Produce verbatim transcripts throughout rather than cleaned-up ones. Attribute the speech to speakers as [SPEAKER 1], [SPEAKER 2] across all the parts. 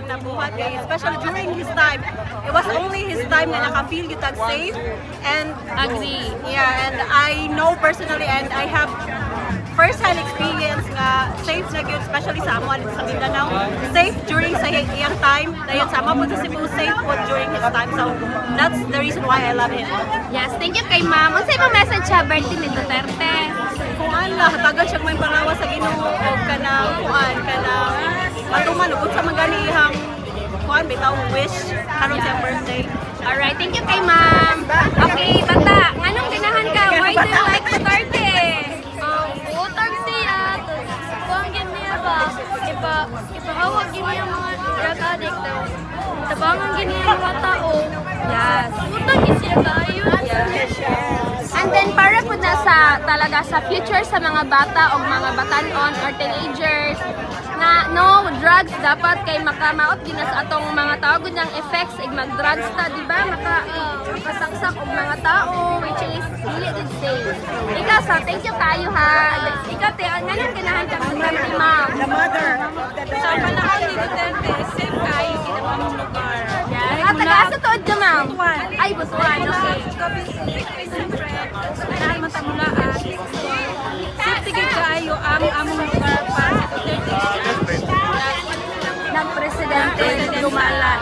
[SPEAKER 1] nabuhat kay especially during his time. It was only his time na naka-feel you tag safe and
[SPEAKER 2] Agree.
[SPEAKER 1] yeah, and I know personally and I have first-hand experience nga safe na gyud especially sa amo sa Mindanao. Safe during sa iyang time. Dayon sa amo po sa Cebu safe po during his time. So that's the reason why I love him.
[SPEAKER 2] Yes, thank you kay ma'am. Unsa imong message sa birthday ni Duterte?
[SPEAKER 1] Kuan la hatagan siya may palawa sa Ginoo og kanang kuan kanang matuman ug sa magani ihang kuan bitaw wish karon sa birthday.
[SPEAKER 2] Alright, thank you kay ma'am. Okay, bata, nganong ganahan ka? Why do you like Duterte?
[SPEAKER 3] Um, utang siya, tapos buwang niya ba, ipa, ipahawag niya yung mga drug addict, tapos tabangan niya yung mga tao.
[SPEAKER 2] Yes.
[SPEAKER 3] Utang niya siya kayo.
[SPEAKER 2] And then para po na sa talaga sa future sa mga bata o mga batanon or teenagers na no drugs dapat kay makamaot din sa atong mga tao gud ng effects ig mag-drugs ta di ba maka makasaksak og mga tao which is dili gud safe. Ikaw sa thank you kayo ha. Ikaw te nganong ganahan ka sa ma'am?
[SPEAKER 1] The mother.
[SPEAKER 2] Sa panahon ni Duterte, safe kayo kinamang lugar. Yes. Ah, taga sa tuod ka ma'am? Ay, Butuan. Okay.
[SPEAKER 1] Dahil matamulaan. Safety gid kaayo ang among lugar para sa Duterte.
[SPEAKER 2] Ng presidente lumalan.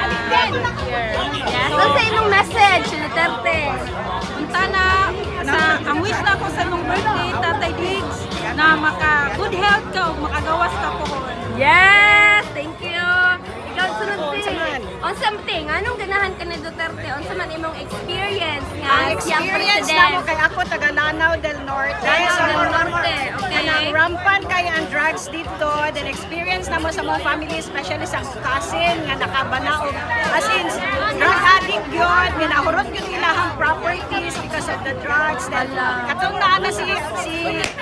[SPEAKER 2] Yes. So sa imong message, Duterte?
[SPEAKER 1] Punta na sa ang wish na ko sa imong birthday Tatay Diggs na maka good health ka ug makagawas ka pohon.
[SPEAKER 2] Yes! Thank you! Ikaw, sunod din. Unsa man ting, anong ganahan ka ni Duterte? Unsa man imong experience nga
[SPEAKER 1] Ang
[SPEAKER 2] siyang
[SPEAKER 1] experience
[SPEAKER 2] president?
[SPEAKER 1] na mo kay ako taga Lanao del Norte.
[SPEAKER 2] Lanao
[SPEAKER 1] So,
[SPEAKER 2] del Norte, okay.
[SPEAKER 1] Kanang rampant kay ang drugs dito. Then experience na mo sa mga family, especially sa akong cousin nga nakabanaog. As in, drug addict yun. Ginahurot yun ilahang properties because of the drugs. Then katong naa na si, si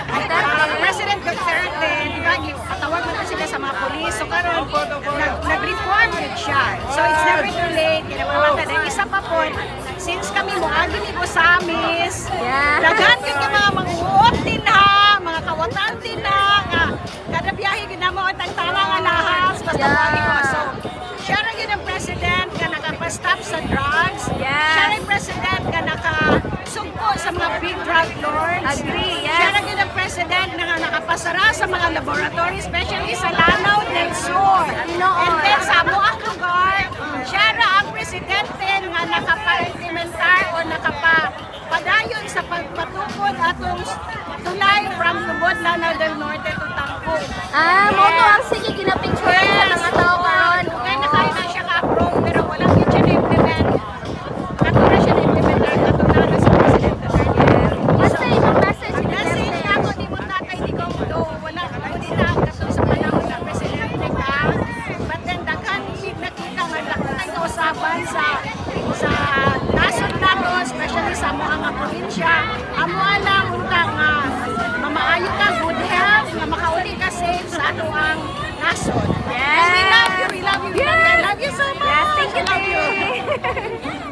[SPEAKER 1] uh, President Duterte, di ba, katawag na sila sa mga polis. So karon nag, nag-reform yun siya. So it's never too late. Kinapamata. Then isa pa po, since kami muagi ni Bosamis,
[SPEAKER 2] Yeah.
[SPEAKER 1] daghan kay mga manguot din ha, mga kawatan din ha, nga kada biyahe ginamo at ang tala nga lahas basta
[SPEAKER 2] Yeah.
[SPEAKER 1] muagi ko. So siya ra gyud ang president nga nakapa-stop sa drugs.
[SPEAKER 2] Yes.
[SPEAKER 1] Siya ra yung president nga nakasugpo sa mga big drug lords.
[SPEAKER 2] Agree, yes.
[SPEAKER 1] Siya ra gyud ang president nga nakapasara sa mga laboratory, especially sa Lanao del Sur.
[SPEAKER 2] Tinood.
[SPEAKER 1] And then sa amuang lugar, siya ra ang presidente nga nakapa-implementar o nakapa-padayon sa pagpatukod atong tulay from Lubod, Lanao del Norte to Tangko.
[SPEAKER 2] Ah, mo to ang sige ginapicture sa mga tao karon.
[SPEAKER 1] Kaya na kaya na siya ka-approve pero walang yun siya na-implement. Kato na siya na-implementar, kato na na sa President Duterte.
[SPEAKER 2] Basta imong message ni
[SPEAKER 1] Kasi
[SPEAKER 2] Duterte.
[SPEAKER 1] ako di mo tatay di ko do wala ko din na kato sa panahon na presidente ka. But then daghan big nakita nga daghan kausaban sa sa nasod nato, especially sa mga probinsya. Amo alam unta nga mamaayo ka good health nga makauli ka safe sa ato ang nasod.
[SPEAKER 2] Yes.
[SPEAKER 1] And we love you, we love you, we love you, I love you so much.
[SPEAKER 2] Yes, thank you.
[SPEAKER 1] I love you.